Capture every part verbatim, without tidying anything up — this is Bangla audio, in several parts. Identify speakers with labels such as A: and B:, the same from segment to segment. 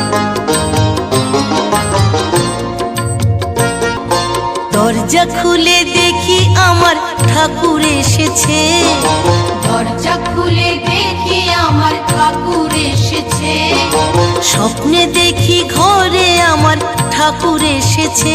A: দরজা খুলে দেখি আমার ঠাকুর এসেছে,
B: দরজা খুলে দেখি আমার ঠাকুর এসেছে।
A: স্বপ্নে দেখি ঘরে আমার ঠাকুর এসেছে।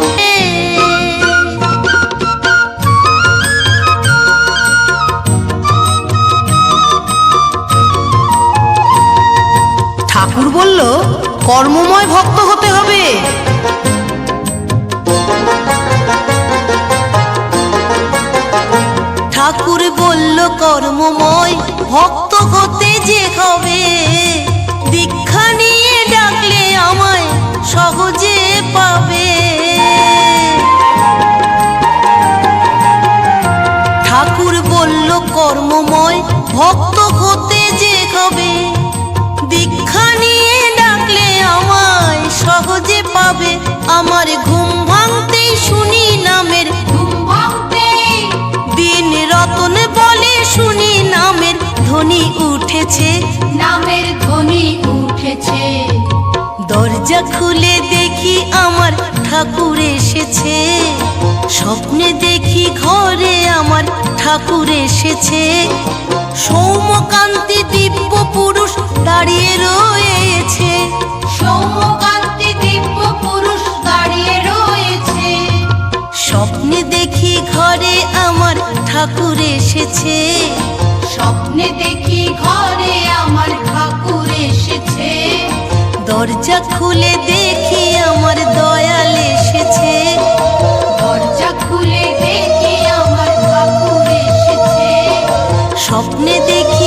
A: ঠাকুর বলল কর্মময় ভক্ত হতে হবে। ঠাকুর বলল কর্মময় ভক্ত হতে যে হবে, দীক্ষা নিয়ে ডাকলে আমায় সহজে পাবে। ঠাকুর বলল কর্মময় ভক্ত হতে যে হবে, দীক্ষা নিয়ে ডাকলে আমায় সহজে পাবে। আমার ঘুম ভাঙতেই শুনি নামের,
B: ঘুম ভাঙতেই
A: দিন রতন বলে শুনি নামের ধ্বনি উঠেছে,
B: নামের ধ্বনি উঠেছে।
A: দরজা খুলে দেখি আমার ঠাকুর এসেছে, স্বপ্নে দেখি ঘরে আমার ঠাকুর এসেছে। সৌম্যকান্তি দিব্য পুরুষ দাঁড়িয়ে রয়েছে,
B: সৌম্যকান্তি দিব্য পুরুষ দাঁড়িয়ে রয়েছে।
A: স্বপ্নে দেখি ঘরে আমার ঠাকুর এসেছে,
B: স্বপ্নে দেখি ঘরে আমার ঠাকুর এসেছে।
A: দরজা খুলে দেখি আমার দয়াল এসেছে,
B: দরজা খুলে দেখি আমার ঠাকুর এসেছে।
A: স্বপ্নে দেখি